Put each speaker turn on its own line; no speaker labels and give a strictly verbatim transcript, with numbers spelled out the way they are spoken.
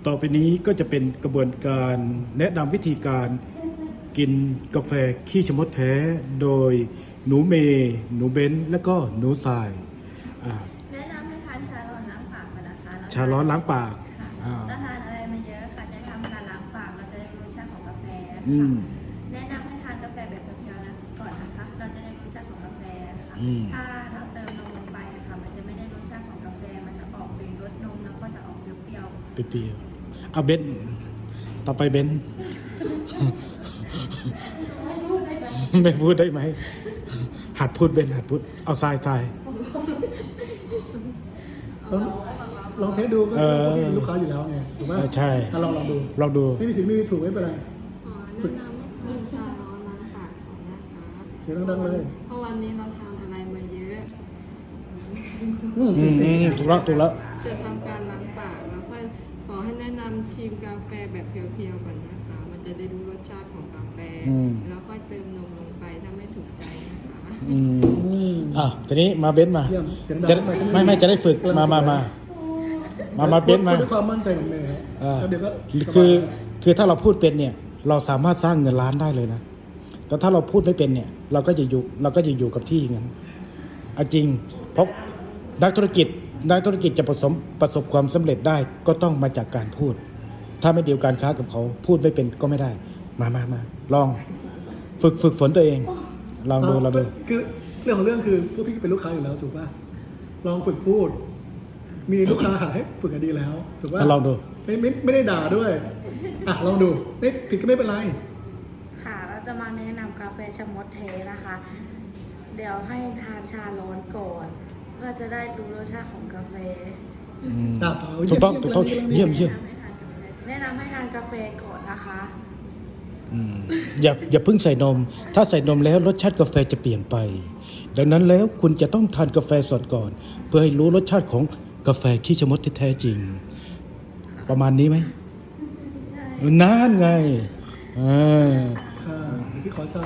ต่อไปนี้ก็จะเป็นกระบวนการแนะนำวิธีการกินกาแฟขี้ชะมดแท้โดยหนูเมย์หนูเบนซ์และก็หนูทรายอ่า
แนะนำให้ทานชาร้อนล้างปากก่อนนะคะแล้ว
ชาร้อนล้างปาก
ค่ะ
อ่า
แล้วทานอะไรมาเยอะค่ะจะทำการล้างปากเราจะได้รู้รสชาติของกาแฟ
อื
ค่ะ
ม
แนะนำให้ทานกาแฟแบบเพียวๆนะก่อนนะคะ เราจะได้รสชาติของกาแฟค่ะ
อืม
ถ้าเราเติมนมลงไปนะคะมันจะไม่ได้รสชาติของกาแฟมันจะออกเป็นรสนมแล้วก็จะออกเปรี้ยว
เปรี้ยวๆเอาเบนซ์ต่อไปเบนซ์ ไม่พูดได้ไหมหัดพูดเบนซ์หัดพูดเอาทรายทราย
ลองลองเทสดูก็
เออ
คือลูกค้าอยู่แล้วไงถูกไหม
เออใช่
อ่ะลองลองดู
ลองดู
ไม่มีผิดไม่มีถูกไม่เป็นไร
อ๋อแนะนำให้ทานชาร้อนล้างปากก่อนนะคะ
เสียงดังๆเลย
เพราะวันนี้เราทานอะไรมาเยอะ
อืม
อืมอืมถูกแล้วถูกแล้ว
จะทำการล้างปากแล้วก็ขอให้แนะนำชิมกาแฟแบบเพียวๆก่อนนะคะ มันจะได้รู้รสชาติของกาแฟ
อืม
แล้วค่อยเติมนมลงไปถ้าไม่ถูกใจนะคะ
อืม
อืม
อ่ะทีนี้มาเบนซ์มา
เยี่ยมเสียงดัง
จะ
ทำไม
ไม่ไม่จะได้ฝึก
กำลัง
มามา
ฝึก
มามามาเบนซ์มา
พูดด้วยความมั่นใจของเมย์ครับ
อ่า
แล้วเดี๋ยวก็
คือคือถ้าเราพูดเป็นเนี่ย เราสามารถสร้างเงินล้านได้เลยนะแต่ถ้าเราพูดไม่เป็นเนี่ย เราก็จะอยู่เราก็จะอยู่กับที่อย่างนั้นเอาจริงเพราะนักธุรกิจนักธุรกิจจะประสบประสบความสำเร็จได้ก็ต้องมาจากการพูด ถ้าไม่เดียวการค้ากับเขาพูดไม่เป็นก็ไม่ได้ มามามาลองฝึกฝึกฝนตัวเอง ลองดูลองดู
คือเรื่องของเรื่องคือพวกพี่ก็เป็นลูกค้าอยู่แล้วถูกป่ะลองฝึกพูด มีลูกค้าหาให้ฝึกกันดีแล้วถูกป่ะ
ลองดู
ไม่ไม่ไม่ได้ด่าด้วยอ่ะลองดูไม่ผิดก็ไม่เป็นไร
ๆค่ะเราจะมาแนะนำกาแฟชะมดเทนะคะ เดี๋ยวให้ทานชาร้อนก่อน เพื่อจะได้รู้รสชาติของกาแฟ
อืม
อ่ะต่อ
ถูกต้องถูกต้อง
เยี่
เยี่ย
ย
ม
ม
เยี่ยม
แนะนำให้ทานกาแฟ
แนะนำให้ทานกาแฟก่อนนะคะ
อืมอย่าอย่าเพิ่งใส่นม ถ้าใส่นมแล้วรสชาติกาแฟจะเปลี่ยนไป ดังนั้นแล้วคุณจะต้องทานกาแฟสดก่อน เพื่อให้รู้รสชาติของกาแฟขี้ชะมดที่แท้จริง ประมาณนี้ไหมนานไงอ่า
ค่ะเดี๋ยวพี่ขอชา